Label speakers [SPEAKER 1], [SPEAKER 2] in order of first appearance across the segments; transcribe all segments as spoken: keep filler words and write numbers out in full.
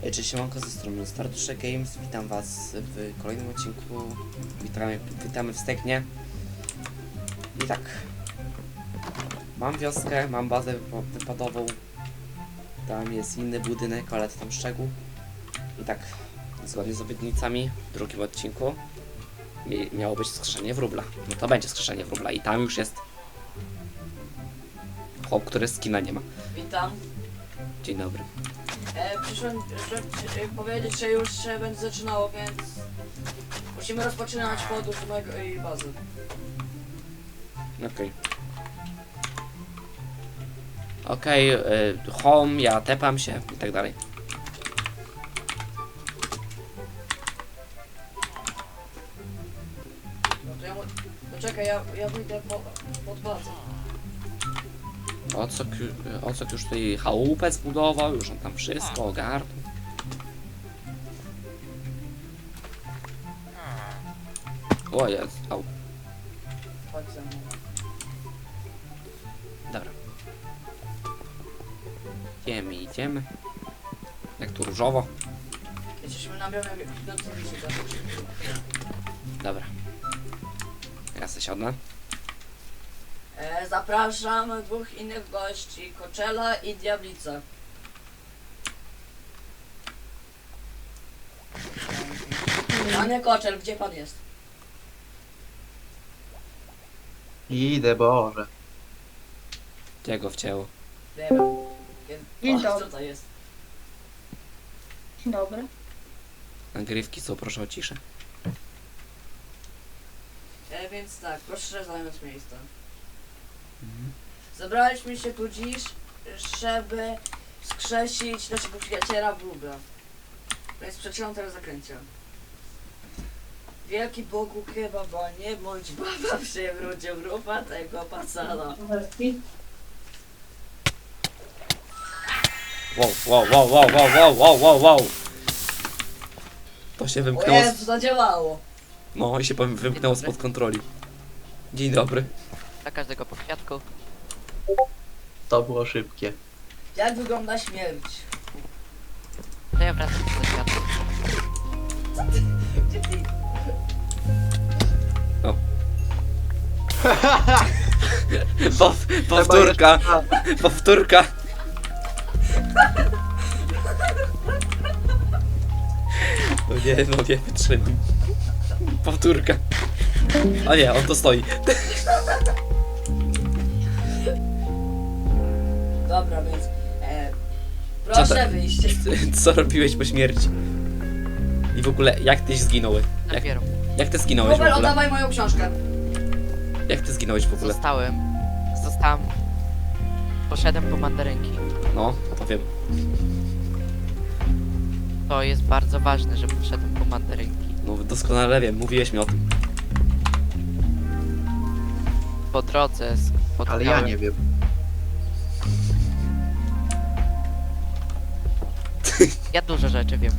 [SPEAKER 1] Cześć, siemanko, ze strony Starduszek Games, witam was w kolejnym odcinku, witamy, witamy w Stegnie. I tak, mam wioskę, mam bazę wypadową, tam jest inny budynek, ale to tam szczegół. I tak, zgodnie z obietnicami w drugim odcinku miało być skrzeszenie wróbla. No to będzie skrzeszenie wróbla i tam już jest chłop, który skina nie ma.
[SPEAKER 2] Witam.
[SPEAKER 1] Dzień dobry.
[SPEAKER 2] E, przyszłem żeby powiedzieć, że już się będzie zaczynało, więc musimy rozpoczynać podróż do mojej bazy.
[SPEAKER 1] Okej. Okay. Okej, okay, y, home, ja tepam się i tak dalej.
[SPEAKER 2] No to ja mu... Poczekaj, ja, ja wyjdę po, pod bazę.
[SPEAKER 1] Ocok, Ocok już tutaj chałupę zbudował, już on tam wszystko ogarnął. O jest, au.
[SPEAKER 2] Chodź ze mną.
[SPEAKER 1] Dobra. Idziemy, idziemy. Jak tu różowo.
[SPEAKER 2] Jesteśmy na białym idącym liście.
[SPEAKER 1] Dobra. Ja se siadnę.
[SPEAKER 2] E, zapraszam dwóch innych gości, Koczela i Diablica. Panie Koczel, gdzie pan jest?
[SPEAKER 3] Idę, Boże.
[SPEAKER 1] Gdzie go wcięło?
[SPEAKER 2] Nie wiem. Jest-
[SPEAKER 4] Dzień
[SPEAKER 2] o,
[SPEAKER 4] dobry.
[SPEAKER 2] Co to jest?
[SPEAKER 4] Dzień dobry.
[SPEAKER 1] Nagrywki są, proszę o ciszę.
[SPEAKER 2] E, więc tak, proszę zająć miejsce.
[SPEAKER 1] Mhm.
[SPEAKER 2] Zebraliśmy się tu dziś, żeby wskrzesić naszego przyjaciela Wróbla. Więc przeczytam teraz zakręcia. Wielki Bogu kebaba, nie bądź baba, przywrócił wróba tego pacana.
[SPEAKER 1] Wow, wow, wow, wow, wow, wow, wow, wow, wow. To się
[SPEAKER 2] O
[SPEAKER 1] wymknęło.
[SPEAKER 2] Jezu, zadziałało!
[SPEAKER 1] No i się powiem, wymknęło spod kontroli. Dzień dobry.
[SPEAKER 5] Dla każdego po kwiatku.
[SPEAKER 3] To było szybkie.
[SPEAKER 2] Jak wygląda śmierć?
[SPEAKER 5] To ja wracam do kwiatku.
[SPEAKER 2] Gdzie ty?
[SPEAKER 1] Pow, powtórka, powtórka. No nie, no nie wytrzymam. Powtórka. A nie, on to stoi.
[SPEAKER 2] Dobra, więc... E,
[SPEAKER 1] Co
[SPEAKER 2] proszę
[SPEAKER 1] to-
[SPEAKER 2] wyjść.
[SPEAKER 1] Co robiłeś po śmierci? I w ogóle, jak tyś zginąłeś? Jak,
[SPEAKER 5] Dopiero.
[SPEAKER 1] jak ty zginąłeś w
[SPEAKER 2] Wróbel,
[SPEAKER 1] ogóle?
[SPEAKER 2] oddawaj moją książkę.
[SPEAKER 1] Jak ty zginąłeś w ogóle?
[SPEAKER 5] Zostałem. Zostałem. Poszedłem po mandarynki.
[SPEAKER 1] No, to wiem.
[SPEAKER 5] To jest bardzo ważne, że poszedłem po mandarynki.
[SPEAKER 1] No doskonale wiem, mówiłeś mi o tym.
[SPEAKER 5] Po drodze spotkałem...
[SPEAKER 3] Ale ja nie wiem.
[SPEAKER 5] Ja dużo rzeczy wiem.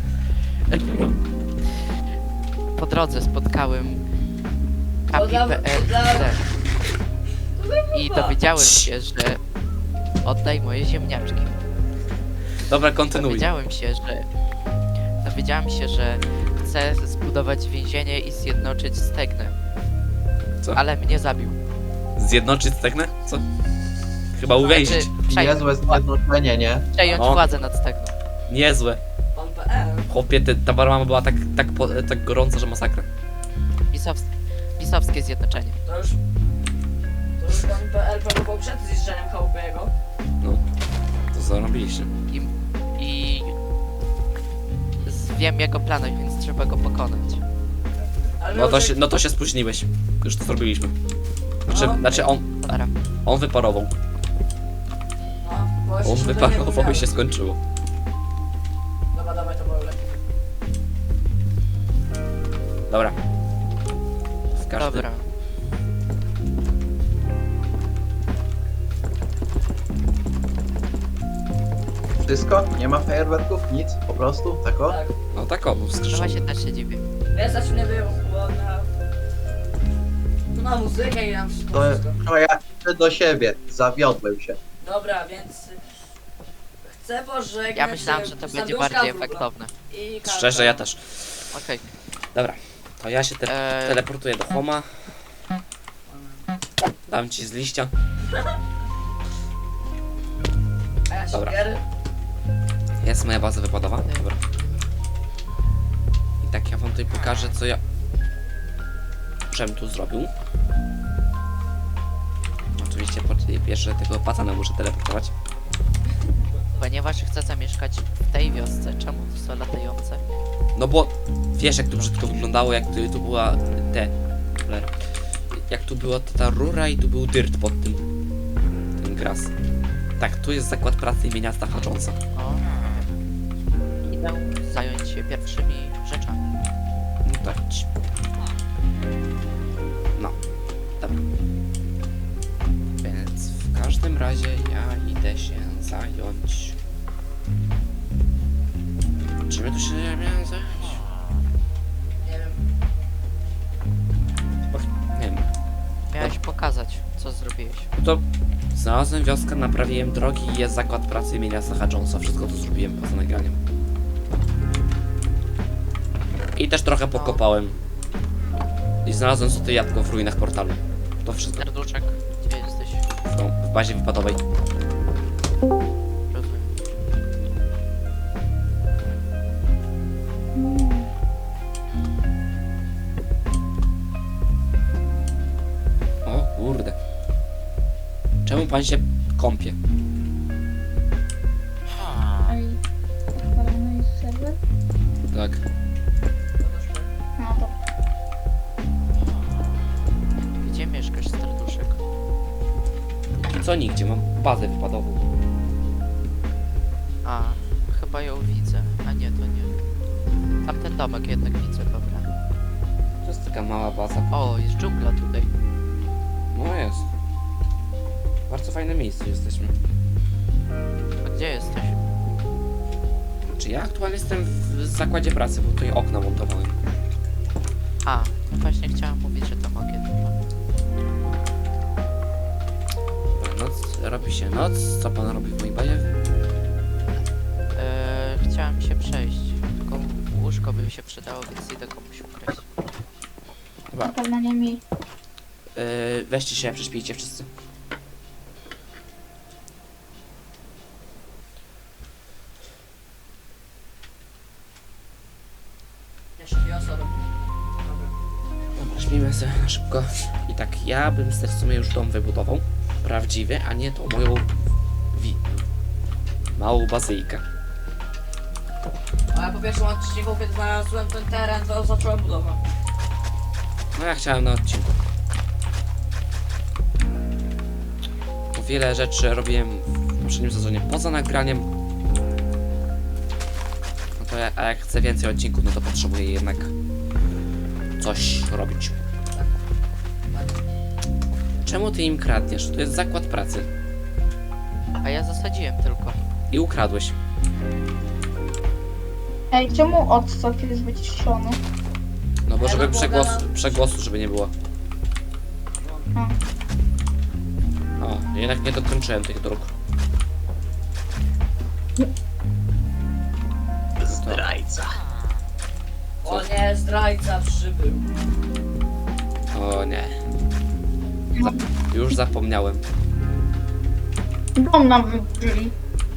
[SPEAKER 5] Po drodze spotkałem
[SPEAKER 2] To dla-
[SPEAKER 5] Kapi
[SPEAKER 2] to dla-
[SPEAKER 5] P E i dowiedziałem się, że oddaj moje ziemniaczki.
[SPEAKER 1] Dobra, kontynuuj.
[SPEAKER 5] Dowiedziałem się, że dowiedziałem się, że chcę zbudować więzienie i zjednoczyć Stegnę.
[SPEAKER 1] Co?
[SPEAKER 5] Ale mnie zabił.
[SPEAKER 1] Zjednoczyć Stegnę? Co? Chyba uwięzić.
[SPEAKER 5] Znaczy, przejąć,
[SPEAKER 3] Niezłe zjednoczenie, nie?
[SPEAKER 5] przejąć
[SPEAKER 1] No.
[SPEAKER 5] władzę nad Stegną.
[SPEAKER 1] Niezłe.
[SPEAKER 2] Pan P L.
[SPEAKER 1] Chłopie, te, ta barmama była tak, tak, po, tak gorąca, że masakra.
[SPEAKER 5] Pisows pisowskie zjednoczenie.
[SPEAKER 2] To już... To już pan P L próbował przed zniszczeniem chałupy jego.
[SPEAKER 1] No, to zarobiliście.
[SPEAKER 5] I, i z- wiem jego plany, więc trzeba go pokonać.
[SPEAKER 2] Ale
[SPEAKER 1] No to
[SPEAKER 2] już-
[SPEAKER 1] się, no to się spóźniłeś. Już to zrobiliśmy. Znaczy,
[SPEAKER 2] No.
[SPEAKER 1] znaczy on,
[SPEAKER 5] Dobra.
[SPEAKER 1] on wyparował.
[SPEAKER 2] No, bo jeszcze
[SPEAKER 1] On
[SPEAKER 2] się do
[SPEAKER 1] wyparował
[SPEAKER 2] niego
[SPEAKER 1] i się
[SPEAKER 2] miałem.
[SPEAKER 1] skończyło.
[SPEAKER 2] Dobra, dawaj to było lepiej.
[SPEAKER 1] Dobra. W każdym...
[SPEAKER 5] Dobra.
[SPEAKER 3] Wszystko? Nie ma fajerwerków? Nic? Po prostu? Tak o?
[SPEAKER 2] Tak.
[SPEAKER 1] No tak o, był
[SPEAKER 5] Trochę
[SPEAKER 1] wskrzeszony.
[SPEAKER 5] się też się dziwię.
[SPEAKER 2] Ja zacznę było na... Tu na muzykę i na wszystko.
[SPEAKER 3] To,
[SPEAKER 2] wszystko.
[SPEAKER 3] to ja idę do siebie. Zawiodłem się.
[SPEAKER 2] Dobra, więc... Chcę pożegnać
[SPEAKER 5] Ja myślałem,
[SPEAKER 2] się
[SPEAKER 5] że to
[SPEAKER 2] z
[SPEAKER 5] będzie
[SPEAKER 2] serduszka
[SPEAKER 5] bardziej
[SPEAKER 2] wróbla.
[SPEAKER 5] efektowne.
[SPEAKER 2] I karta.
[SPEAKER 1] Szczerze, ja też.
[SPEAKER 5] Okej.
[SPEAKER 1] Dobra, to ja się te
[SPEAKER 5] Eee.
[SPEAKER 1] teleportuję do Homa. Dam ci z liścia.
[SPEAKER 2] A ja się
[SPEAKER 1] Dobra.
[SPEAKER 2] gier.
[SPEAKER 1] Jest moja baza wypadowa. Dobra. I tak ja wam tutaj pokażę, co ja... Żem tu zrobił. Oczywiście po pierwsze tego patana muszę teleportować.
[SPEAKER 5] Ponieważ chcę zamieszkać w tej wiosce, czemu to są latające?
[SPEAKER 1] No bo wiesz jak to brzydko wyglądało, jak tu, tu była te... cholera. Jak tu była ta rura i tu był dirt pod tym. Ten gras. Tak, tu jest zakład pracy imienia Staffa Jonesa.
[SPEAKER 5] O. Idę zająć się pierwszymi rzeczami.
[SPEAKER 1] No tak. No. Dobra. Więc w każdym razie ja idę się zająć. Czym ja tu się miałem zająć?
[SPEAKER 2] Nie wiem.
[SPEAKER 1] Chyba, nie wiem.
[SPEAKER 5] Miałeś pokazać, co zrobiłeś.
[SPEAKER 1] No to znalazłem wioskę, naprawiłem drogi i jest zakład pracy imienia Staffa Jonesa. Wszystko to zrobiłem poza nagraniem. I też trochę pokopałem. I znalazłem sobie jabłko w ruinach portalu. To wszystko.
[SPEAKER 5] Serduszek, gdzie jesteś?
[SPEAKER 1] W, w bazie wypadowej.
[SPEAKER 5] Rozumiem.
[SPEAKER 1] O kurde. Czemu pan się kąpie?
[SPEAKER 4] Ej, odpalony jest serwer?
[SPEAKER 1] Tak.
[SPEAKER 4] No to
[SPEAKER 5] Gdzie mieszkasz, serduszek?
[SPEAKER 1] I co nigdzie, mam bazę wypadową.
[SPEAKER 5] A, chyba ją widzę. A nie, to nie. Tamten domek jednak widzę, dobra.
[SPEAKER 1] To jest taka mała baza.
[SPEAKER 5] O, jest dżungla tutaj.
[SPEAKER 1] No jest. Bardzo fajne miejsce jesteśmy.
[SPEAKER 5] A gdzie jesteś?
[SPEAKER 1] Czy ja aktualnie jestem w zakładzie pracy, bo tutaj okna montowałem.
[SPEAKER 5] A, no właśnie chciałam mówić, że to mogę.
[SPEAKER 1] Noc, robi się noc. Co pan robi w mojej bazie?
[SPEAKER 5] Eee, chciałam się przejść, tylko łóżko by mi się przydało, więc idę komuś ukraść.
[SPEAKER 1] Dobra,
[SPEAKER 4] na pewno nie mi.
[SPEAKER 1] yy, weźcie się, prześpijcie wszyscy.
[SPEAKER 2] Jeszcze dwie osoby. Dobra.
[SPEAKER 1] Dobra, śpimy sobie na szybko. I tak, ja bym sobie w sumie już dom wybudował. Prawdziwy, a nie tą moją... Wi... małą bazyjkę.
[SPEAKER 2] A ja po pierwszym odcinku, kiedy znalazłem ten teren, to zacząłem budowę.
[SPEAKER 1] No ja chciałem na odcinku. Bo wiele rzeczy robiłem w poprzednim sezonie poza nagraniem. No to ja, a jak chcę więcej odcinków, no to potrzebuję jednak coś robić. Czemu ty im kradniesz? To jest zakład pracy.
[SPEAKER 5] A ja zasadziłem tylko.
[SPEAKER 1] I ukradłeś.
[SPEAKER 4] Ej, czemu odstok jest wyciszony?
[SPEAKER 1] No bo
[SPEAKER 2] Ja
[SPEAKER 1] żeby
[SPEAKER 2] no bo
[SPEAKER 1] przegłosu,
[SPEAKER 2] gadam-
[SPEAKER 1] przegłosu, żeby nie było.
[SPEAKER 4] A.
[SPEAKER 1] O, jednak nie dokończyłem tych dróg.
[SPEAKER 3] Zdrajca.
[SPEAKER 2] O nie, zdrajca przybył.
[SPEAKER 1] O nie. Zap już zapomniałem.
[SPEAKER 4] Dom nam wyburzyli.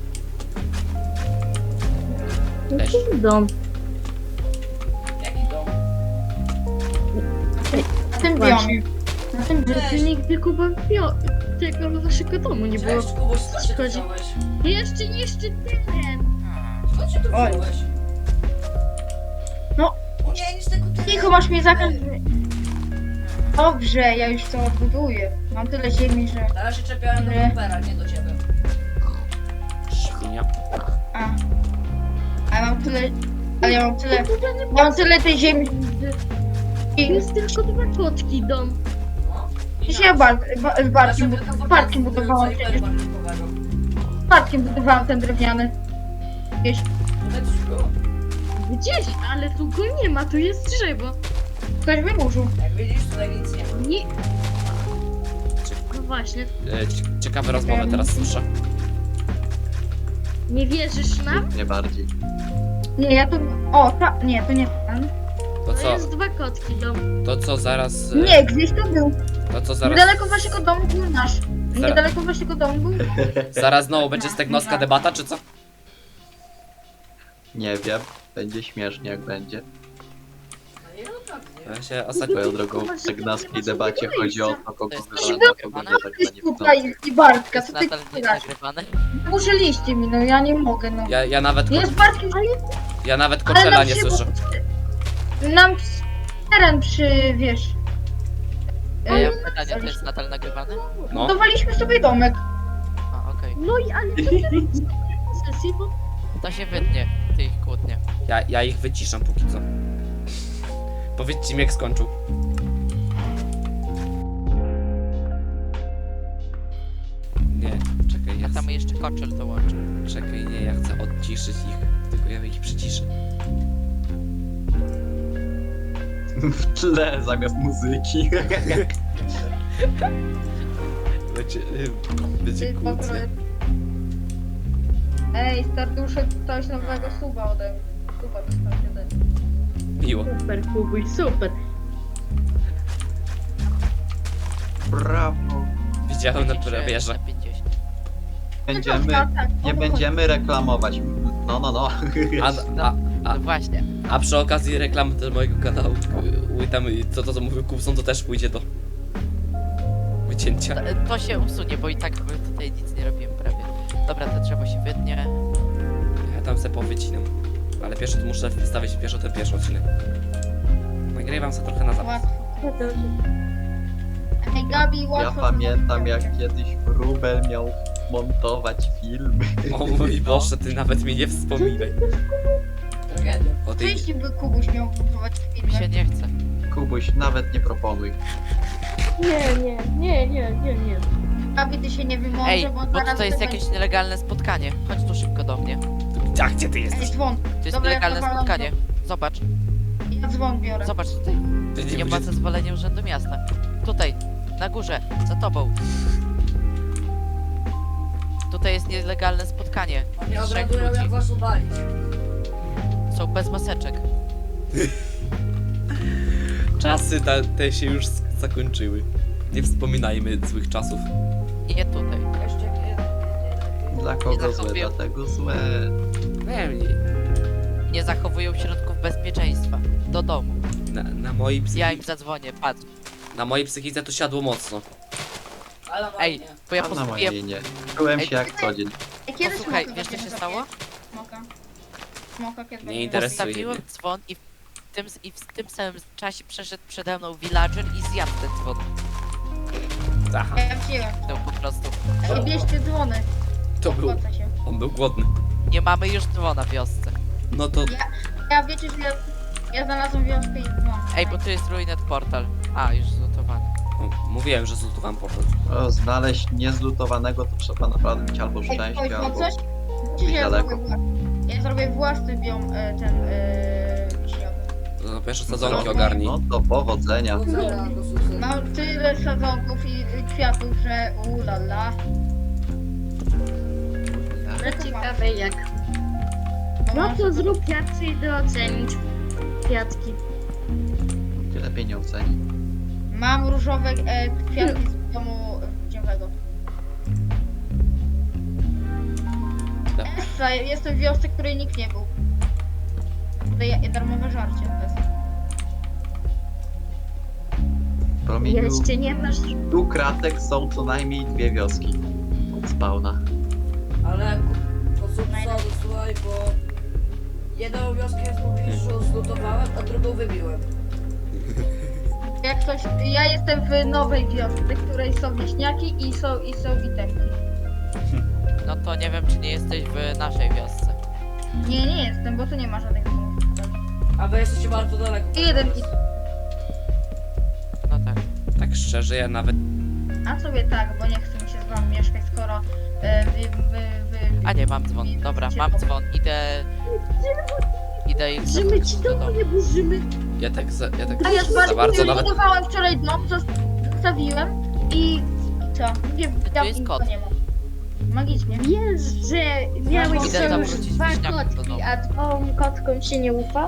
[SPEAKER 1] Też.
[SPEAKER 4] Dom.
[SPEAKER 2] Jaki dom?
[SPEAKER 4] W tym
[SPEAKER 6] Właśnie.
[SPEAKER 4] biomie. Na tym
[SPEAKER 6] Że
[SPEAKER 4] biomie.
[SPEAKER 6] ty nigdy Kuba bio... tego naszego domu nie było.
[SPEAKER 2] Cześć, Kubuś, skąd się tu
[SPEAKER 6] Szkodzi.
[SPEAKER 2] wziąłeś?
[SPEAKER 6] Jeszcze, jeszcze ten!
[SPEAKER 2] Skąd się tu
[SPEAKER 4] Oj.
[SPEAKER 2] wziąłeś?
[SPEAKER 4] No.
[SPEAKER 2] O nie, nic tego tyle.
[SPEAKER 4] Cicho, masz mnie zakaz. Dobrze, ja już to odbuduję. Mam tyle ziemi, że...
[SPEAKER 2] Teraz się czepiałem do
[SPEAKER 4] Nie.
[SPEAKER 2] Kupera, nie do ciebie.
[SPEAKER 1] Świnia.
[SPEAKER 4] A. A ja mam tyle... Ale ja mam tyle... Ja mam tyle tej ziemi...
[SPEAKER 6] To jest tylko dwa kotki dom.
[SPEAKER 2] No.
[SPEAKER 4] Przecież ja bar... ba- z Bartkiem,
[SPEAKER 2] Ja sobie
[SPEAKER 4] bu- z Bartkiem
[SPEAKER 2] tylko
[SPEAKER 4] budowałam
[SPEAKER 2] fortecę
[SPEAKER 4] przecież.
[SPEAKER 2] barkowego.
[SPEAKER 4] Z Bartkiem budowałam ten drewniany. Gdzieś.
[SPEAKER 2] Tutaj coś było.
[SPEAKER 6] Gdzieś, ale tu go nie ma, tu jest drzewo.
[SPEAKER 4] Ktoś wyburzył.
[SPEAKER 2] Jak widzisz, tutaj nic nie ma.
[SPEAKER 6] Nie. No właśnie.
[SPEAKER 1] E, cie- ciekawe rozmowy teraz słyszę.
[SPEAKER 6] Nie wierzysz nam?
[SPEAKER 3] Nie bardziej.
[SPEAKER 4] Nie, ja tu... O, ta... nie, to nie ten.
[SPEAKER 1] To
[SPEAKER 6] To
[SPEAKER 1] co,
[SPEAKER 6] jest dwa kotki dom.
[SPEAKER 1] to co zaraz... e,
[SPEAKER 4] Nie, gdzieś to był.
[SPEAKER 1] To co zaraz...
[SPEAKER 4] Niedaleko waszego domu był nasz. Niedaleko waszego domu był.
[SPEAKER 1] Zaraz znowu będzie stegnowska debata, czy co?
[SPEAKER 3] Nie wiem. Będzie śmiesznie jak będzie.
[SPEAKER 2] No nie, no tak, nie.
[SPEAKER 1] Ja się ostatnio...
[SPEAKER 3] Swoją drogą w segnaskiej debacie chodzi o to, kogo
[SPEAKER 5] To jest
[SPEAKER 3] wywala, a kogo nie tak
[SPEAKER 4] Ty
[SPEAKER 3] za nie
[SPEAKER 4] tutaj i Bartka,
[SPEAKER 5] Jest
[SPEAKER 4] co ty
[SPEAKER 5] nadal nie
[SPEAKER 4] grasz?
[SPEAKER 5] nagrywane.
[SPEAKER 4] Użyliście mi, no ja nie mogę, no.
[SPEAKER 1] Ja, ja nawet...
[SPEAKER 4] Jest Bartkiem,
[SPEAKER 1] Ja nawet
[SPEAKER 4] ale
[SPEAKER 1] Koczela
[SPEAKER 4] nam
[SPEAKER 1] nie
[SPEAKER 4] się...
[SPEAKER 1] słyszę.
[SPEAKER 4] Nam teren przy, wiesz...
[SPEAKER 5] Ja
[SPEAKER 4] e,
[SPEAKER 5] mam pytanie, to jest nadal nagrywane?
[SPEAKER 1] No.
[SPEAKER 4] Budowaliśmy sobie domek.
[SPEAKER 5] A, okej.
[SPEAKER 6] No i ale to jest sesji, bo
[SPEAKER 5] To się wytnie, ty ich kłótnie.
[SPEAKER 1] Ja, ja ich wyciszam póki co. Powiedzcie mi jak skończył. Nie, czekaj, ja
[SPEAKER 5] A tam jeszcze koczel dołączy.
[SPEAKER 1] czekaj, nie, ja chcę odciszyć ich, tylko ja ich przyciszę.
[SPEAKER 3] W tle zamiast muzyki.
[SPEAKER 1] Będzie, będzie
[SPEAKER 4] Ty,
[SPEAKER 1] kłótnia.
[SPEAKER 4] Pawle. Ej, starduszek, coś nowego suba ode mnie. Suba dostałeś ode mnie.
[SPEAKER 1] Miło.
[SPEAKER 6] super, Kubuj, super.
[SPEAKER 3] Brawo.
[SPEAKER 1] Widziałem na
[SPEAKER 5] Pięćdziesiąt
[SPEAKER 1] premierze.
[SPEAKER 5] na pięćdziesiąt.
[SPEAKER 3] Będziemy,
[SPEAKER 4] No, tak,
[SPEAKER 3] nie
[SPEAKER 4] o to
[SPEAKER 3] będziemy reklamować. No, no, no.
[SPEAKER 1] A, a, a,
[SPEAKER 5] No właśnie.
[SPEAKER 1] a przy okazji reklamy też mojego kanału, y, tam y, to, to co mówił Kubson, to też pójdzie do wycięcia.
[SPEAKER 5] To, to się usunie, bo i tak my tutaj nic nie robimy prawie. Dobra, to drzewo się wytnie.
[SPEAKER 1] Ja tam se powycinam. Ale pierwszy to muszę wstawić pierwszy ten pierwszy odcinek. Nagrywam sobie trochę na zapas.
[SPEAKER 4] Łatwo. Ej, Gabi,
[SPEAKER 3] Ja
[SPEAKER 4] łatwo.
[SPEAKER 3] pamiętam jak kiedyś Wróbel miał montować filmy.
[SPEAKER 1] O mój Boże, ty nawet mi nie wspominaj.
[SPEAKER 2] Tragedia.
[SPEAKER 1] O
[SPEAKER 4] Co
[SPEAKER 1] tej...
[SPEAKER 4] jeśli by Kubuś miał budować
[SPEAKER 5] Mi się
[SPEAKER 4] filmy?
[SPEAKER 5] nie chce.
[SPEAKER 3] Kubuś, nawet nie proponuj.
[SPEAKER 6] Nie, nie, nie, nie, nie, nie.
[SPEAKER 4] Gabi, ty się nie wymoże,
[SPEAKER 5] Ej,
[SPEAKER 4] bo
[SPEAKER 5] bo
[SPEAKER 4] zaraz
[SPEAKER 5] tutaj jest
[SPEAKER 4] to
[SPEAKER 5] jakieś
[SPEAKER 4] będzie-
[SPEAKER 5] nielegalne spotkanie. Chodź tu szybko do mnie.
[SPEAKER 1] A gdzie ty
[SPEAKER 4] Ej,
[SPEAKER 1] jesteś?
[SPEAKER 4] dzwon.
[SPEAKER 5] To jest
[SPEAKER 4] Dobra, ja
[SPEAKER 5] nielegalne
[SPEAKER 4] powalam
[SPEAKER 5] spotkanie. Zobacz,
[SPEAKER 4] Ja dzwon biorę.
[SPEAKER 5] zobacz tutaj.
[SPEAKER 1] Ty
[SPEAKER 5] Nie
[SPEAKER 1] nie
[SPEAKER 5] ma
[SPEAKER 1] będzie...
[SPEAKER 5] zezwolenia Urzędu Miasta. Tutaj, na górze, za tobą. Tutaj jest nielegalne spotkanie.
[SPEAKER 2] Oni
[SPEAKER 5] Trzech
[SPEAKER 2] obradują
[SPEAKER 5] ludzi.
[SPEAKER 2] jak was ubalić.
[SPEAKER 5] Są bez maseczek.
[SPEAKER 1] Czasy te, te się już sk- zakończyły. Nie wspominajmy złych czasów.
[SPEAKER 5] Nie tutaj.
[SPEAKER 2] Jeszcze jeden.
[SPEAKER 3] Dla kogo złe,
[SPEAKER 5] zachowuję.
[SPEAKER 3] dlatego złe.
[SPEAKER 1] Nie, nie.
[SPEAKER 5] Nie zachowują środków bezpieczeństwa. Do domu.
[SPEAKER 1] Na, na mojej
[SPEAKER 5] Ja im
[SPEAKER 1] psychice...
[SPEAKER 5] zadzwonię, patrz.
[SPEAKER 1] Na mojej psychice to siadło mocno.
[SPEAKER 2] Ale
[SPEAKER 5] Ej,
[SPEAKER 2] ładnie.
[SPEAKER 5] bo ja
[SPEAKER 3] A na
[SPEAKER 5] postawiłem...
[SPEAKER 3] mojej nie. Czułem
[SPEAKER 5] Ej,
[SPEAKER 3] się jak co dzień.
[SPEAKER 4] Ej, kiedy
[SPEAKER 5] Posłuchaj,
[SPEAKER 4] smoka
[SPEAKER 5] wiesz co się
[SPEAKER 4] będziemy
[SPEAKER 5] stało?
[SPEAKER 4] zabijać? Smoka. Smoka kiedy
[SPEAKER 1] Nie
[SPEAKER 4] będziemy
[SPEAKER 1] interesuje
[SPEAKER 4] zabijać?
[SPEAKER 5] Postawiłem
[SPEAKER 1] mnie.
[SPEAKER 5] dzwon i w tym, i w tym samym czasie przeszedł przede mną villager i zjadł ten dzwon.
[SPEAKER 1] Aha,
[SPEAKER 4] Ja wziąłem.
[SPEAKER 5] No po prostu.
[SPEAKER 4] Ej, bierzcie dzwony.
[SPEAKER 1] to był...
[SPEAKER 4] Opłaca się.
[SPEAKER 1] On był głodny.
[SPEAKER 5] Nie mamy już dzwona w wiosce.
[SPEAKER 1] No to...
[SPEAKER 4] Ja wiecie, że ja, ja znalazłem wioskę i dzwon.
[SPEAKER 5] Ej, bo tu jest Ruinet Portal. A, już zlutowany.
[SPEAKER 1] o, mówiłem, że zlutowałem portal.
[SPEAKER 3] O, znaleźć niezlutowanego to trzeba naprawdę mieć albo
[SPEAKER 4] Ej,
[SPEAKER 3] szczęście,
[SPEAKER 4] ktoś ma
[SPEAKER 3] albo...
[SPEAKER 4] coś? Czy ja
[SPEAKER 3] daleko.
[SPEAKER 4] zrobię własny? Ja zrobię własny biom, e, ten, e, wiśniowy.
[SPEAKER 1] To na pierwsze sadzonki
[SPEAKER 3] No,
[SPEAKER 1] ogarnij.
[SPEAKER 3] No to powodzenia.
[SPEAKER 2] Powodzenia, do sukcesu.
[SPEAKER 4] Mam tyle sadzonków i i kwiatów, że ulala.
[SPEAKER 6] No ciekawe jak.
[SPEAKER 4] No,
[SPEAKER 6] No
[SPEAKER 4] mam
[SPEAKER 6] to zrób, ja przyjdę ocenić kwiatki.
[SPEAKER 3] Ty lepiej nie oceni.
[SPEAKER 4] Mam różowe e, kwiatki z domu dziewego.
[SPEAKER 1] Tak.
[SPEAKER 4] Essa, jestem w wiosce, której nikt nie był. Tutaj darmowe żarcie. To jest.
[SPEAKER 3] W promieniu
[SPEAKER 6] Jeszcze nie masz...
[SPEAKER 3] stu kratek są co najmniej dwie wioski. Od spawna.
[SPEAKER 2] Ale konsultowałem, słuchaj, bo jedną wioskę w pobliżu zlutowałem, a drugą wybiłem.
[SPEAKER 4] Jak coś, ja jestem w nowej wiosce, w której są wieśniaki i są i są itemki.
[SPEAKER 5] No to nie wiem, czy nie jesteś w naszej wiosce.
[SPEAKER 4] Nie, nie jestem, bo tu nie ma żadnych domów.
[SPEAKER 2] A wy jesteście bardzo daleko.
[SPEAKER 4] I jeden i...
[SPEAKER 5] No tak.
[SPEAKER 1] Tak szczerze, ja nawet...
[SPEAKER 4] A sobie tak, bo nie chcę mi się z wami mieszkać, skoro e, wy, wy, wy,
[SPEAKER 5] A nie, mam dzwon. Dobra, mam dzwon. Idę... Idę ich
[SPEAKER 6] Burzymy ci
[SPEAKER 5] zaprosić do
[SPEAKER 6] domu,
[SPEAKER 5] domu.
[SPEAKER 6] nie burzymy.
[SPEAKER 1] Ja tak za, ja tak
[SPEAKER 4] A ja z
[SPEAKER 1] za
[SPEAKER 4] bardzo
[SPEAKER 1] bardzo nawet...
[SPEAKER 4] budowałem wczoraj dom, zostawiłem i co? Nie,
[SPEAKER 5] Tu
[SPEAKER 4] ja
[SPEAKER 5] jest
[SPEAKER 4] nic
[SPEAKER 5] kot.
[SPEAKER 4] nie mam. magicznie.
[SPEAKER 6] Wiesz, że miałeś
[SPEAKER 5] Idę tam
[SPEAKER 6] sojusz
[SPEAKER 5] wrócić
[SPEAKER 6] dwa
[SPEAKER 5] wieśniaków do
[SPEAKER 6] kotki,
[SPEAKER 5] domu.
[SPEAKER 6] a dwóm kotkom się nie ufa?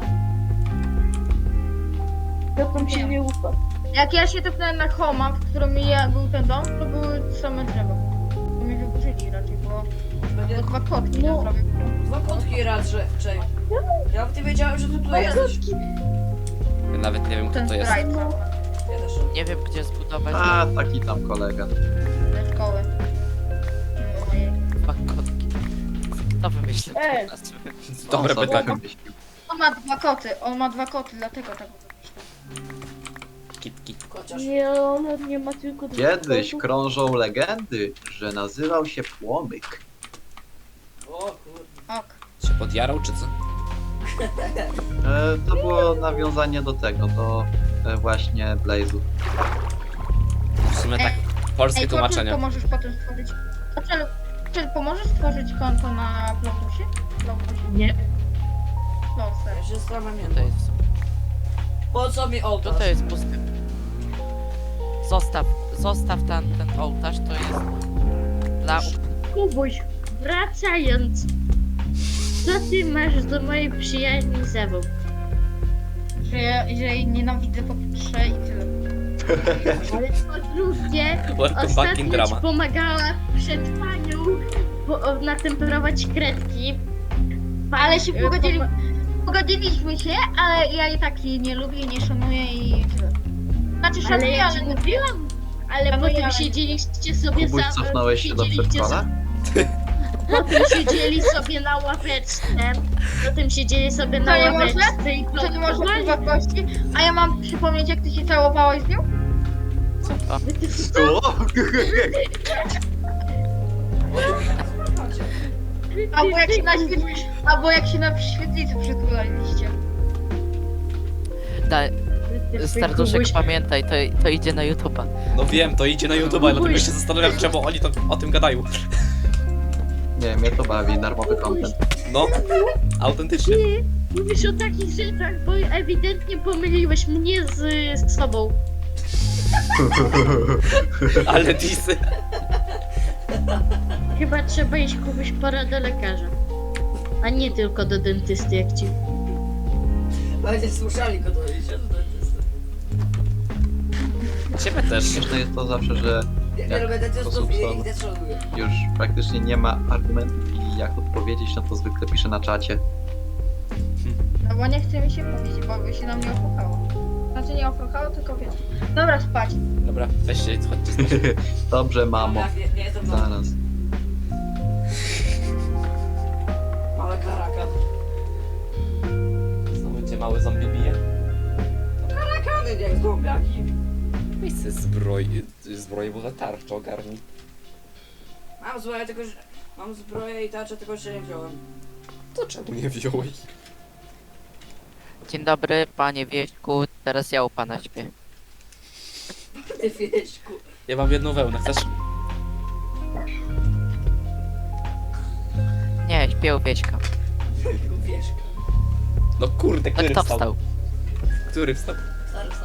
[SPEAKER 6] Kotkom się
[SPEAKER 4] Nie.
[SPEAKER 6] nie ufa.
[SPEAKER 4] Jak ja się tepnąłem na Homa, w którym ja był ten dom, to były same drzewa. To mnie wyburzyli raczej, bo,
[SPEAKER 2] Będzie
[SPEAKER 4] bo dwa kotki
[SPEAKER 6] No.
[SPEAKER 4] na prawie.
[SPEAKER 2] dwa kotki raczej. Ja nawet nie wiedziałem, że ty tu jesteś.
[SPEAKER 1] Ja nawet nie wiem, kto
[SPEAKER 4] Ten
[SPEAKER 1] to jest.
[SPEAKER 4] sprite
[SPEAKER 2] Ja też.
[SPEAKER 5] Nie wiem gdzie zbudować
[SPEAKER 3] A, taki tam kolega.
[SPEAKER 4] ze szkoły. Ojej.
[SPEAKER 5] dwa kotki. Kto wymyślił
[SPEAKER 6] Ej.
[SPEAKER 5] te nazwy?
[SPEAKER 1] Dobre
[SPEAKER 3] On sobie
[SPEAKER 1] pytanie.
[SPEAKER 3] wymyślił.
[SPEAKER 4] On ma dwa koty, on ma dwa koty, dlatego tak wymyślił.
[SPEAKER 1] Kitki.
[SPEAKER 2] Chociaż.
[SPEAKER 6] Nie, on nie ma tylko dwóch
[SPEAKER 3] Kiedyś
[SPEAKER 6] kotów.
[SPEAKER 3] krążą legendy, że nazywał się Płomyk.
[SPEAKER 2] O kurde.
[SPEAKER 4] Ok.
[SPEAKER 1] Się podjarał, czy co?
[SPEAKER 3] E, to było nawiązanie do tego, do e, właśnie Blaze'u.
[SPEAKER 1] W sumie tak, polskie
[SPEAKER 4] Ej, to
[SPEAKER 1] tłumaczenie.
[SPEAKER 4] pomożesz potem stworzyć... A czy, czy pomożesz stworzyć konto na Plotusie? Plotusie?
[SPEAKER 6] Nie.
[SPEAKER 4] Plotser.
[SPEAKER 2] Ja się zastanawiam,
[SPEAKER 5] To jest,
[SPEAKER 2] po co mi
[SPEAKER 5] to
[SPEAKER 2] ołtarz?
[SPEAKER 5] to jest pusty. Zostaw, zostaw ten, ten ołtarz, to jest dla...
[SPEAKER 6] Kubuś, wracając. Co ty masz do mojej przyjaźni z Ewą?
[SPEAKER 4] Że, ja- że jej nienawidzę po pierwsze i tyle.
[SPEAKER 6] Ale po drugie,
[SPEAKER 1] Welcome back in
[SPEAKER 6] ostatnio ci
[SPEAKER 1] drama.
[SPEAKER 6] pomagała przed panią po, natemperować kredki.
[SPEAKER 4] Ale się
[SPEAKER 6] E,
[SPEAKER 4] pogodzili,
[SPEAKER 6] poma-
[SPEAKER 4] pogodziliśmy się, ale ja i tak jej nie lubię, nie szanuję i tyle. Znaczy
[SPEAKER 6] Ale
[SPEAKER 4] szanuję,
[SPEAKER 6] ja
[SPEAKER 4] ale
[SPEAKER 6] ci
[SPEAKER 4] nie
[SPEAKER 6] mówiłam. Ale
[SPEAKER 4] Ja
[SPEAKER 6] potem
[SPEAKER 4] mówiłam.
[SPEAKER 6] siedzieliście sobie
[SPEAKER 3] Kubuś,
[SPEAKER 6] za...
[SPEAKER 3] cofnąłeś się do
[SPEAKER 6] siedzieliście
[SPEAKER 3] przedszkola?
[SPEAKER 6] Potem siedzieli sobie na ławeczce. Potem siedzieli sobie na
[SPEAKER 4] To nie można?
[SPEAKER 6] ławeczce i
[SPEAKER 4] To nie można
[SPEAKER 6] plotkowali.
[SPEAKER 4] prywatności. A ja mam przypomnieć, jak ty się całowałeś z nią?
[SPEAKER 5] Co to?
[SPEAKER 3] O!
[SPEAKER 4] Albo jak się na świetlicy, albo jak się na świetlicy przytulaliście.
[SPEAKER 5] Da, Starduszek,
[SPEAKER 6] Kubuś,
[SPEAKER 5] pamiętaj, to, to idzie na YouTube'a.
[SPEAKER 1] No wiem, to idzie na YouTube, dlatego się zastanawiam, czemu oni to, o tym gadają.
[SPEAKER 3] Nie, mnie to bawi, darmowy content.
[SPEAKER 1] No, autentycznie.
[SPEAKER 6] Ty mówisz o takich rzeczach, bo ewidentnie pomyliłeś mnie z, z sobą.
[SPEAKER 1] Ale disy.
[SPEAKER 6] Chyba trzeba iść kupić porę do lekarza. A nie tylko do dentysty, jak ci.
[SPEAKER 2] Będzie słyszeli go to idzie do dentysty.
[SPEAKER 1] Ciebie też.
[SPEAKER 3] Śmieszne jest to zawsze, że
[SPEAKER 2] Nie, nie
[SPEAKER 3] Jak
[SPEAKER 2] lubię dentystów
[SPEAKER 3] sposób
[SPEAKER 2] i
[SPEAKER 3] są-
[SPEAKER 2] ich też szanuję.
[SPEAKER 3] już praktycznie nie ma argumentów i jak odpowiedzieć, no to zwykle piszę na czacie.
[SPEAKER 4] No bo nie chce mi się mówić, bo by się na mnie opłuchało. Znaczy nie opłuchało, tylko wiesz. Dobra, spać.
[SPEAKER 1] Dobra, weź się, chodźcie spać.
[SPEAKER 3] Dobrze, mamo.
[SPEAKER 2] Jak nie, nie jestem mama.
[SPEAKER 3] Zaraz.
[SPEAKER 2] Małe karaka.
[SPEAKER 1] Znowu cię mały zombie bije.
[SPEAKER 2] Karakany, nie, zombiaki.
[SPEAKER 1] Miejsce zbroi, zbroi, bo za tarczę ogarnij.
[SPEAKER 2] Mam zbroję, tylko że... Mam zbroję i tarczę, tylko że nie wziąłem.
[SPEAKER 1] To czemu nie wziąłeś?
[SPEAKER 5] Dzień dobry, panie Wieśku, teraz ja u pana śpię.
[SPEAKER 2] Ty wieśku.
[SPEAKER 1] Ja mam jedną wełnę, chcesz?
[SPEAKER 5] Nie, śpię u Wieśka.
[SPEAKER 2] Wieśka.
[SPEAKER 1] No kurde,
[SPEAKER 5] No
[SPEAKER 1] który
[SPEAKER 5] kto
[SPEAKER 1] wstał?
[SPEAKER 5] wstał?
[SPEAKER 1] Który wstał?
[SPEAKER 2] Stary wstał.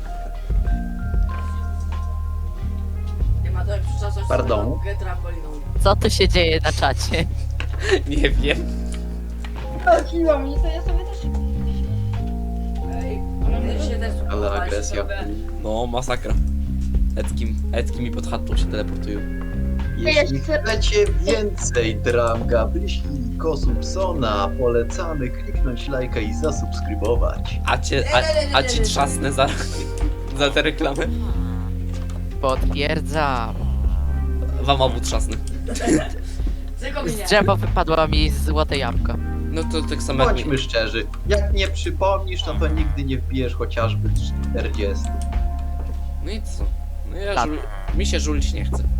[SPEAKER 2] Nie ma to jak przyczasać
[SPEAKER 3] Pardon?
[SPEAKER 2] trampoliną.
[SPEAKER 5] Co tu się dzieje na czacie?
[SPEAKER 1] Nie wiem.
[SPEAKER 4] Chodziło mi, to ja sobie też...
[SPEAKER 2] Ej, ty się też
[SPEAKER 3] Ale
[SPEAKER 2] spróbowałeś
[SPEAKER 3] agresja.
[SPEAKER 2] sobie.
[SPEAKER 1] No, masakra. Eckim, Ecki mi pod chatą się teleportują.
[SPEAKER 3] Jeśli chcecie więcej dram Gabrysi i Kosubsona, polecamy kliknąć lajka i zasubskrybować.
[SPEAKER 1] A cię, a, a ci trzasnę za, za tę reklamę?
[SPEAKER 5] Potwierdzam.
[SPEAKER 1] Wam obu trzasnę.
[SPEAKER 2] Tylko mnie.
[SPEAKER 5] Z drzewa wypadła mi złote jabłko.
[SPEAKER 1] No to tak samo jak mi.
[SPEAKER 3] Bądźmy szczerzy, jak nie przypomnisz, no to nigdy nie wbijesz chociażby czterdzieści.
[SPEAKER 1] No i co? No ja
[SPEAKER 5] Tak.
[SPEAKER 1] żul... Mi się żulić nie chce.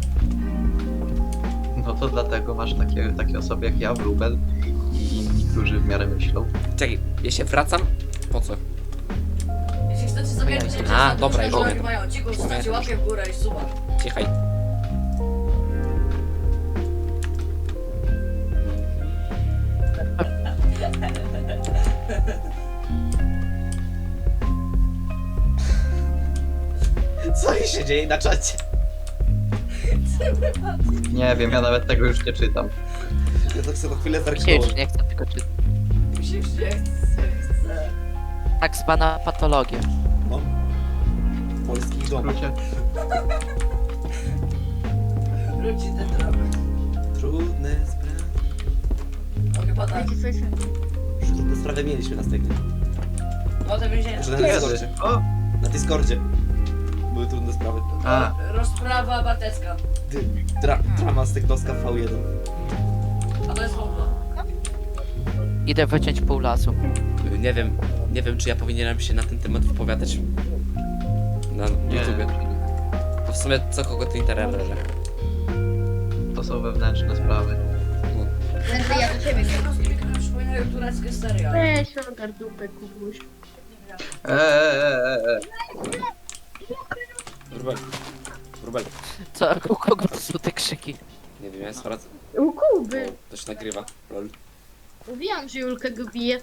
[SPEAKER 3] No to dlatego masz takie, takie osoby jak ja, Wróbel i inni, którzy w miarę myślą.
[SPEAKER 1] Czekaj, ja się wracam? Po co?
[SPEAKER 2] Jeśli chcecie sobie
[SPEAKER 5] A,
[SPEAKER 2] widzieć,
[SPEAKER 1] dobra, już
[SPEAKER 2] już
[SPEAKER 1] wiem.
[SPEAKER 2] mają cicho, zostawcie łapkę w górę i suba.
[SPEAKER 1] Cichaj. Co się dzieje na czacie?
[SPEAKER 3] Nie wiem, ja nawet tego już nie czytam.
[SPEAKER 1] Ja to chcę to chwilę
[SPEAKER 5] Mi się
[SPEAKER 1] zerknąłem.
[SPEAKER 5] już nie chce tego czytać.
[SPEAKER 2] Mi się już nie chce, chce.
[SPEAKER 5] Tak zwana patologia.
[SPEAKER 1] No. Polski
[SPEAKER 3] W
[SPEAKER 1] dom.
[SPEAKER 3] skrócie.
[SPEAKER 2] Wróci ten dramat.
[SPEAKER 1] Trudne sprawy.
[SPEAKER 2] No chyba tak.
[SPEAKER 4] Wiecie co jest?
[SPEAKER 1] Już trudne sprawy mieliśmy na stegnie.
[SPEAKER 2] No to więzienie.
[SPEAKER 1] Że na Discordzie.
[SPEAKER 3] O!
[SPEAKER 1] Na Discordzie. Były trudne sprawy.
[SPEAKER 3] A.
[SPEAKER 2] Rozprawa batecka.
[SPEAKER 1] Ty, dra, drama z Technoska V jeden.
[SPEAKER 2] A to jest w ogóle.
[SPEAKER 5] Idę wyciąć pół lasu.
[SPEAKER 1] Y, Nie wiem, nie wiem czy ja powinienem się na ten temat wypowiadać na
[SPEAKER 3] Nie,
[SPEAKER 1] YouTubie. To w sumie co kogo to interesuje.
[SPEAKER 3] to są wewnętrzne sprawy.
[SPEAKER 4] Będę ja do ciebie.
[SPEAKER 2] Przypominają tureckie serial.
[SPEAKER 6] Weź ogar dupę, Kubuś.
[SPEAKER 3] Eee, eee, eee.
[SPEAKER 1] Rubel. Rubel.
[SPEAKER 5] Co, u kogo to są te krzyki?
[SPEAKER 1] Nie wiem, ja sprawdzę.
[SPEAKER 6] U Kuby.
[SPEAKER 1] Bo to się nagrywa. Lol.
[SPEAKER 6] Mówiłam, że Julka go bije.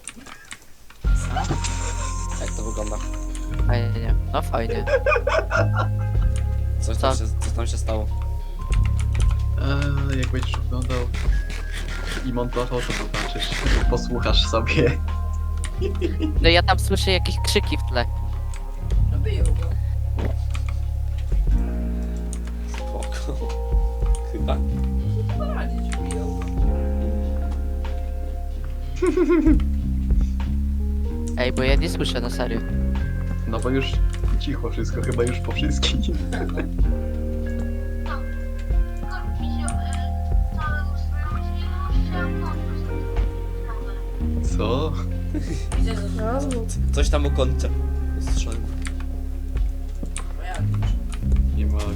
[SPEAKER 1] Jak to wygląda?
[SPEAKER 5] Fajnie, no fajnie.
[SPEAKER 1] Coś tam
[SPEAKER 5] Co?
[SPEAKER 1] się, co tam się stało?
[SPEAKER 3] Eee, jak będziesz oglądał i montował, to zobaczysz. Posłuchasz sobie.
[SPEAKER 5] No ja tam słyszę jakieś krzyki w tle.
[SPEAKER 2] No biją go.
[SPEAKER 1] Spoko. Chyba.
[SPEAKER 2] Poradzić, biją go.
[SPEAKER 5] Ej, bo ja nie słyszę na serio.
[SPEAKER 3] No bo już cicho wszystko, chyba już po wszystkim. Co?
[SPEAKER 2] Widzę, że
[SPEAKER 6] No.
[SPEAKER 1] Coś tam o końcu. Słyszałem.
[SPEAKER 2] pojawisz.
[SPEAKER 3] Nie mogę.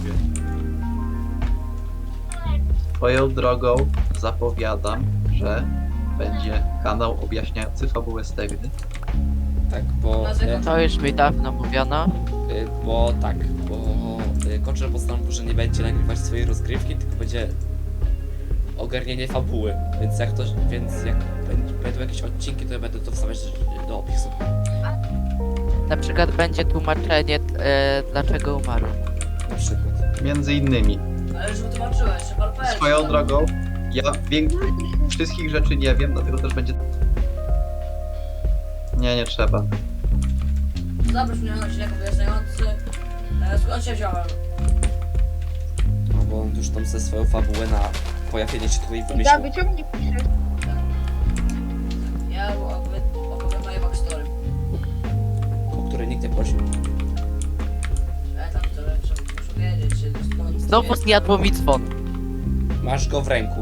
[SPEAKER 3] Swoją drogą zapowiadam, że będzie kanał objaśniający fabułę Stegny.
[SPEAKER 1] Tak, bo...
[SPEAKER 2] Dlaczego?
[SPEAKER 5] To już mi dawno mówiono.
[SPEAKER 1] Y, bo tak, bo y, Koczer postanowił, że nie będzie nagrywać swojej rozgrywki, tylko będzie ogarnienie fabuły. Więc jak to, więc jak będ- będą jakieś odcinki, to ja będę to wstawiać do opisu.
[SPEAKER 5] Na przykład będzie tłumaczenie, e, dlaczego umarł.
[SPEAKER 1] Na przykład.
[SPEAKER 3] Między innymi.
[SPEAKER 2] Ale już wytłumaczyłeś, że P L P.
[SPEAKER 3] Swoją drogą, ja wiek... wszystkich rzeczy nie wiem, dlatego też będzie... Nie, nie trzeba.
[SPEAKER 2] Zabierz mnie na odcinek wyjaśniający. E, Skąd się wziąłem?
[SPEAKER 1] No bo on już tam ze swoją fabułę na pojawienie się tutaj wymyślił.
[SPEAKER 4] Gaby, czemu nie piszesz?
[SPEAKER 2] Ja opowiem, opowiem moje backstory.
[SPEAKER 1] O której nikt nie prosił.
[SPEAKER 2] Ja tam to muszę, muszę wiedzieć, że skąd...
[SPEAKER 5] Znowu zjadło mi dzwon.
[SPEAKER 1] Masz go w ręku.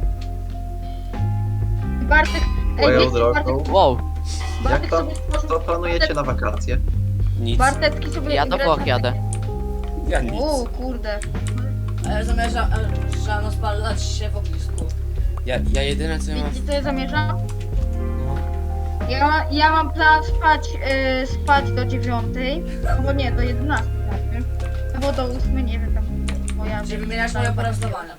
[SPEAKER 4] Bartek, ej,
[SPEAKER 3] Swoją
[SPEAKER 4] wiecie, Bartek,
[SPEAKER 3] drogą,
[SPEAKER 5] Wow,
[SPEAKER 3] jak
[SPEAKER 4] Bartek
[SPEAKER 3] to,
[SPEAKER 4] sobie stworzył...
[SPEAKER 3] to planujecie na wakacje?
[SPEAKER 1] Nic.
[SPEAKER 4] Bartecki sobie...
[SPEAKER 5] ja do
[SPEAKER 4] grę
[SPEAKER 5] Włoch
[SPEAKER 4] na-
[SPEAKER 5] jadę.
[SPEAKER 1] Ja nic.
[SPEAKER 4] O, kurde.
[SPEAKER 2] A ja zamierzam, e, że spalać się w ognisku.
[SPEAKER 1] Ja, ja jedyne co ja mam...
[SPEAKER 4] Wiecie co ja zamierzam?
[SPEAKER 1] No,
[SPEAKER 4] Ja, ma, ja mam plan spać, y, spać do dziewiątej, albo nie, do jedenastej znaczy. Albo do ósmej, nie wiem, tam moja...
[SPEAKER 2] Czyli wymieniasz moje pora wstawania.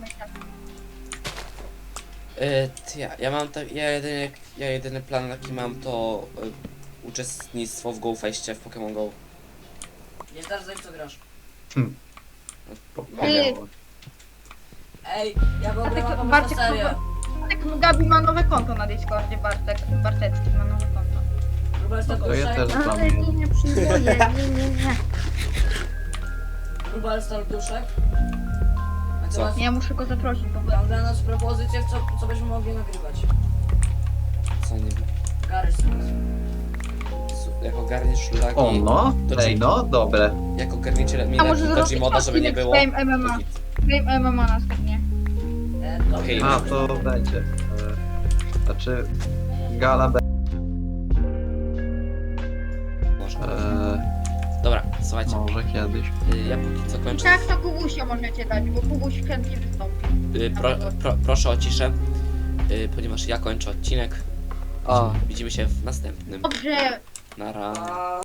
[SPEAKER 1] y, ty, ja, ja mam tak... Ja jedyny, ja jedyny plan jaki mam to... Y, uczestnictwo w GoFeście w Pokémon Go.
[SPEAKER 2] Nie zdarza w co grasz.
[SPEAKER 1] Mogę.
[SPEAKER 2] Ej, ja w ogóle
[SPEAKER 4] Bartek,
[SPEAKER 2] mam pomysł
[SPEAKER 4] Bartek,
[SPEAKER 2] na serię.
[SPEAKER 4] Bartek, no Gabi ma nowe konto na Discordzie, Bartek, Bartecki ma nowe konto.
[SPEAKER 2] Rubel
[SPEAKER 3] To ja też
[SPEAKER 6] Ale
[SPEAKER 3] planuję.
[SPEAKER 6] nie, nie przyjmuję, nie, nie, nie.
[SPEAKER 2] Rubel Starduszek. A
[SPEAKER 1] Co?
[SPEAKER 2] co? Masz,
[SPEAKER 4] Ja muszę go zaprosić, bo
[SPEAKER 2] mam dla nas propozycję, co, co byśmy mogli nagrywać.
[SPEAKER 1] Co nie wiem.
[SPEAKER 2] Gary Smith.
[SPEAKER 1] Su- Jak ogarniesz szlaki...
[SPEAKER 3] O no,
[SPEAKER 1] To
[SPEAKER 3] ej
[SPEAKER 1] ci-
[SPEAKER 3] no, dobre.
[SPEAKER 1] Jak ogarniecie
[SPEAKER 4] A może
[SPEAKER 1] minetki do
[SPEAKER 4] zrobić
[SPEAKER 1] Gmoda, żeby nie
[SPEAKER 4] odcinek
[SPEAKER 1] było...
[SPEAKER 4] z Game M M A.
[SPEAKER 1] to nic.
[SPEAKER 4] Game M M A następnie.
[SPEAKER 2] E, to
[SPEAKER 1] Okej.
[SPEAKER 3] A, to będzie. E, Znaczy, gala be...
[SPEAKER 1] Można.
[SPEAKER 3] E,
[SPEAKER 1] Dobra, słuchajcie.
[SPEAKER 3] może kiedyś.
[SPEAKER 1] Y, ja póki co
[SPEAKER 4] I
[SPEAKER 1] kończę.
[SPEAKER 4] tak to Kubusia możecie dać, bo Kubuś chętnie wystąpi.
[SPEAKER 1] Y, pro, pro, proszę o ciszę, y, ponieważ ja kończę odcinek.
[SPEAKER 5] O.
[SPEAKER 1] Widzimy się w następnym.
[SPEAKER 4] Dobrze.
[SPEAKER 1] Nara.
[SPEAKER 2] A...